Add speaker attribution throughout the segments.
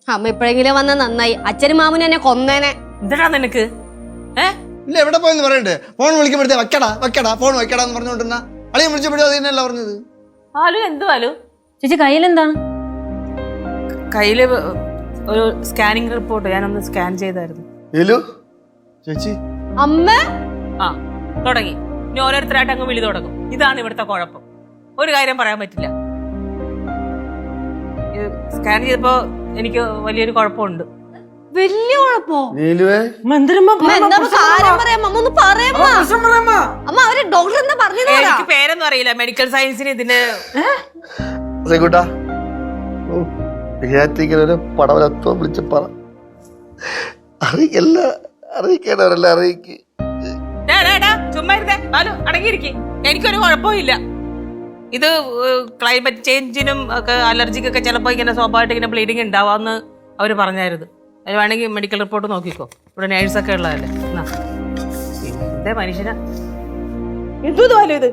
Speaker 1: അമ്മ എപ്പോഴെങ്കിലും വന്ന നന്നായി. അച്ഛനും മാമനും എന്നെ കൊന്നേനെ.
Speaker 2: എന്താ നിനക്ക്?
Speaker 3: ഇല്ല എവിടെ പോയെന്ന് പറയണ്ടേ? ഫോൺ വിളിക്കുമ്പോഴത്തേ വെക്കടാ ഫോൺ വെക്കടാന്ന് പറഞ്ഞുകൊണ്ടിരുന്ന അളിയൻ വിളിച്ചപ്പോഴും അത് തന്നെയല്ല പറഞ്ഞത്.
Speaker 2: ആലു എന്തു ആലു?
Speaker 1: ചേച്ചി കയ്യിലെന്താണ്?
Speaker 2: കയ്യില് ഒരു സ്കാനിങ് റിപ്പോർട്ട് ഞാനൊന്ന് സ്കാൻ ചെയ്തായിരുന്നു.
Speaker 3: ചേച്ചി
Speaker 1: അമ്മ
Speaker 2: ആ തുടങ്ങി. ഇനി ഓരോരുത്തരായിട്ട് അങ്ങ് വിളി തുടങ്ങും. ഇതാണ് ഇവിടുത്തെ കുഴപ്പം. ഒരു കാര്യം പറയാൻ പറ്റില്ല. സ്കാൻ ചെയ്തപ്പോ എനിക്ക് വലിയൊരു കുഴപ്പമുണ്ട്.
Speaker 1: വലിയ കുഴപ്പോ?
Speaker 2: എനിക്ക് പേരൊന്നും അറിയില്ല. മെഡിക്കൽ സയൻസിന് ഇതിന്
Speaker 3: പടവലത്വം വിളിച്ച് പറ. അറിയിക്കേണ്ടവരെല്ലാം അറിയിക്ക്.
Speaker 2: ചുമ്മാ ഇരുന്നേ ബാലു, അടങ്ങിയിരിക്കെ. എനിക്കൊരു കുഴപ്പവും ഇല്ല. ഇത് ക്ലൈമറ്റ് ചേഞ്ചിനും ഒക്കെ അലർജിക്കൊക്കെ ചിലപ്പോൾ ഇങ്ങനെ സ്വാഭാവികമായിട്ട് ഇങ്ങനെ ബ്ലീഡിങ് ഉണ്ടാവാന്ന് അവർ പറഞ്ഞായിരുന്നു. അത് വേണമെങ്കിൽ മെഡിക്കൽ റിപ്പോർട്ട് നോക്കിക്കോ. ഇവിടെ നേഴ്സൊക്കെ ഉള്ളതല്ലേ. എന്തേ മനുഷ്യനാ എന്തുവാലോ ഇത്?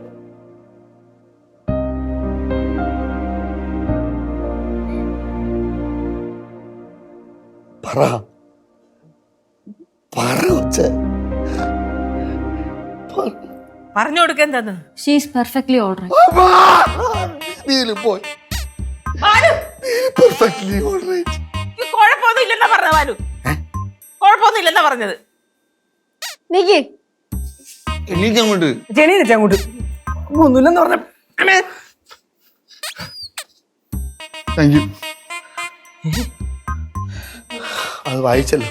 Speaker 2: പറഞ്ഞു കൊടുക്ക എന്താന്ന്.
Speaker 1: She's perfectly alright.
Speaker 2: കുഴപ്പമൊന്നും ഇല്ലെന്നാ പറഞ്ഞ ബാലു. കുഴപ്പമൊന്നും ഇല്ലെന്നാ പറഞ്ഞത്.
Speaker 3: എണീക്കങ്ങോട്ട്
Speaker 2: ജനീനങ്ങോട്ട് ഒന്നുമില്ലെന്ന് പറഞ്ഞ.
Speaker 3: Thank you. അത് വായിച്ചല്ലോ.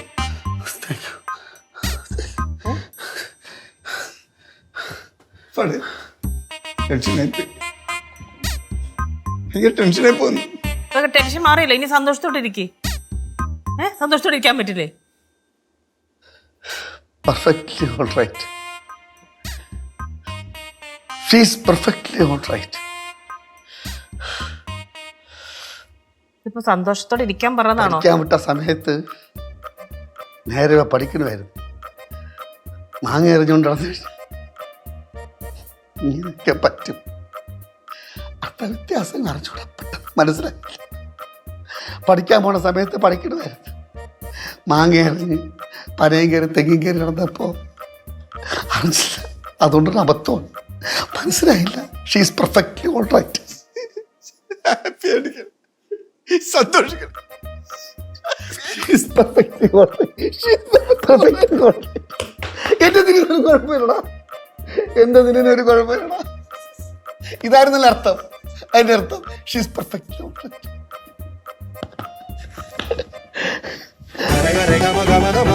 Speaker 3: ടെൻഷനായി പോകുന്നു.
Speaker 2: ടെൻഷൻ മാറിയില്ല. ഇനി സന്തോഷത്തോടെ ഇരിക്കേ. സന്തോഷത്തോടെ ഇരിക്കാൻ പറ്റില്ലേ?
Speaker 3: Perfectly all right. She's perfectly all right.
Speaker 2: ഇപ്പൊ സന്തോഷത്തോടെ ഇരിക്കാൻ പറഞ്ഞതാണോ?
Speaker 3: പഠിക്കാൻ വിട്ട സമയത്ത് നേരെ പഠിക്കണമായിരുന്നു. മാങ്ങ എറിഞ്ഞുകൊണ്ടാണ് ഇങ്ങനെയൊക്കെ പറ്റും. അത്ര വ്യത്യാസം അറിഞ്ഞൂടാ. മനസ്സിലായി. പഠിക്കാൻ പോണ സമയത്ത് പഠിക്കണമായിരുന്നു. മാങ്ങ എറിഞ്ഞ് പനയും കയറി തെങ്ങും കയറി നടന്നപ്പോൾ അറിഞ്ഞില്ല. അതുകൊണ്ടൊരു അബദ്ധമാണ്. മനസ്സിലായില്ല. She's perfectly all right. Happy ആയിരിക്കണം, സന്തോഷിക്കണം. എന്റെ തിരിഞ്ഞൊരു കുഴപ്പമില്ലടാ. എന്റെ തിരിഞ്ഞൊരു കുഴപ്പമില്ലടാ. ഇതായിരുന്നല്ലോ അർത്ഥം. അതിന്റെ അർത്ഥം ഷീസ് പെർഫെക്റ്റ്ലി ഓൾ റൈറ്റ്.